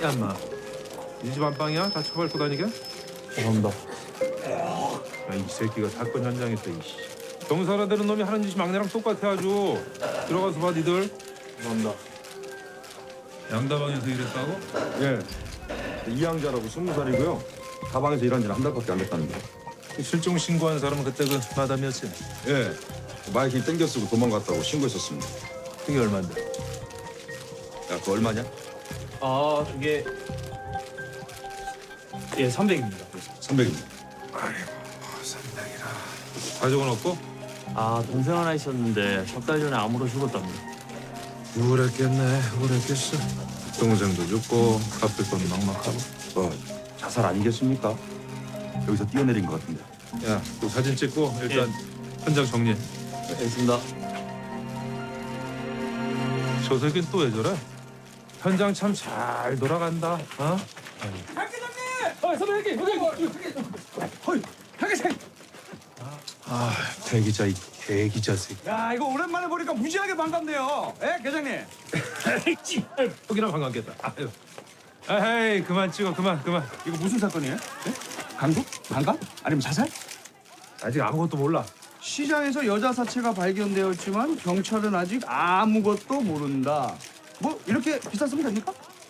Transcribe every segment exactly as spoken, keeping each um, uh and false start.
야, 인마. 이 집 안방이야? 다 처벌고 다니게? 죄송합니다. 야, 이 새끼가 사건 현장에서 이씨. 경사라 되는 놈이 하는 짓이 막내랑 똑같아 아주. 들어가서 봐, 니들. 죄송합니다. 양다방에서 일했다고? 예. 이양자라고 스무 살이고요. 다방에서 일한 지는 한 달밖에 안 됐다는데. 실종 신고한 사람은 그때 그 마담이었지? 예. 마이크 땡겨 쓰고 도망갔다고 신고했었습니다. 그게 얼만데? 야, 그거 얼마냐? 아, 그게 예, 삼백입니다. 삼백입니다. 가족은 없고? 아, 동생 하나 있었는데 석 달 전에 암으로 죽었답니다. 우울했겠네, 우울했겠어. 동생도 죽고 갚을 건 막막하고. 뭐 자살 아니겠습니까? 여기서 뛰어내린 것 같은데. 야, 또 사진 찍고 일단 현장 정리. 알겠습니다. 저 새끼는 또 왜 저래? 현장 참 잘 돌아간다. 어? 박 기자님! 어, 선배님 여기 여기 여기. 어이, 박 기자님. 아, 대기자 이 대기자 새끼. 야, 이거 오랜만에 보니까 무지하게 반갑네요. 예, 계장님. 여기나 반갑겠다. 아유. 에이, 그만 찍어, 그만, 그만. 이거 무슨 사건이에요? 예? 강도? 강간? 아니면 자살? 아직 아무것도 몰라. 시장에서 여자 사체가 발견되었지만 경찰은 아직 아무것도 모른다. 뭐 이렇게 기사 쓰면 됩니까?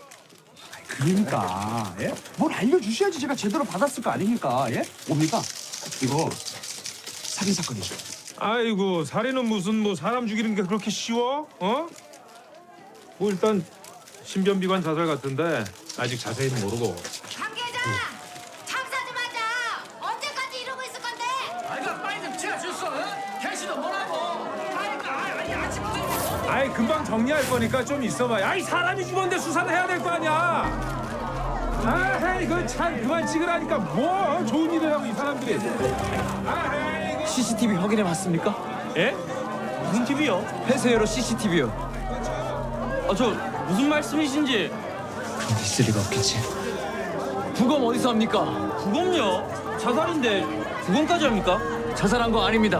그러니까 예? 뭘 알려주셔야지 제가 제대로 받았을 거 아닙니까? 예? 뭡니까? 이거 살인 사건이죠. 아이고, 살인은 무슨 뭐 사람 죽이는 게 그렇게 쉬워? 어? 뭐 일단 신변비관 자살 같은데 아직 자세히는 모르고. 강 계장! 장사 좀 하자! 언제까지 이러고 있을 건데? 아이가 빨리 좀 채워줬어. 대신은 뭐라고? 아이가 아니 아침부터 아이, 금방 정리할 거니까 좀 있어봐. 아이, 사람이 죽었는데 수사를 해야 될 거 아니야. 아이, 그참 그만 찍으라니까 뭐 좋은 일을 하고 이 사람들이. 아이, 씨씨티비 확인해 봤습니까? 예? 무슨 티비요? 폐쇄회로 씨씨티비요. 아, 저 무슨 말씀이신지. 그런 있을 리가 없겠지. 부검 어디서 합니까? 부검요? 자살인데 부검까지 합니까? 자살한 거 아닙니다.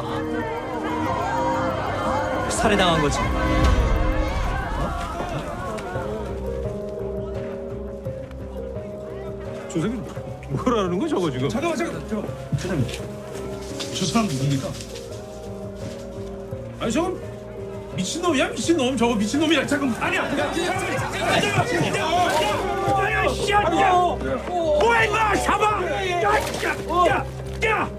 살해당한 거지. 저 새끼 뭐라는 거 저거 지금? 잠깐만, 잠깐만, 잠깐만. 계장님, 저 사람 누굽니까? 아니 저거 미친놈이야 미친놈 저거 미친놈이야 잠깐 아니야 뭐야 임마 잡아 야야야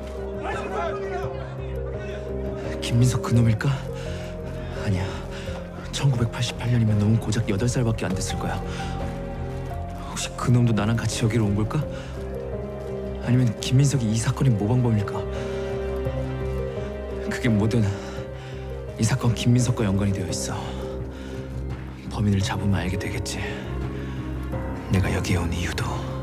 김민석 그놈일까? 아니야. 천구백팔십팔 년이면 놈은 고작 여덟 살밖에 안 됐을 거야. 혹시 그놈도 나랑 같이 여기로 온 걸까? 아니면 김민석이 이 사건의 모방범일까? 그게 뭐든 이 사건 김민석과 연관이 되어 있어. 범인을 잡으면 알게 되겠지. 내가 여기에 온 이유도.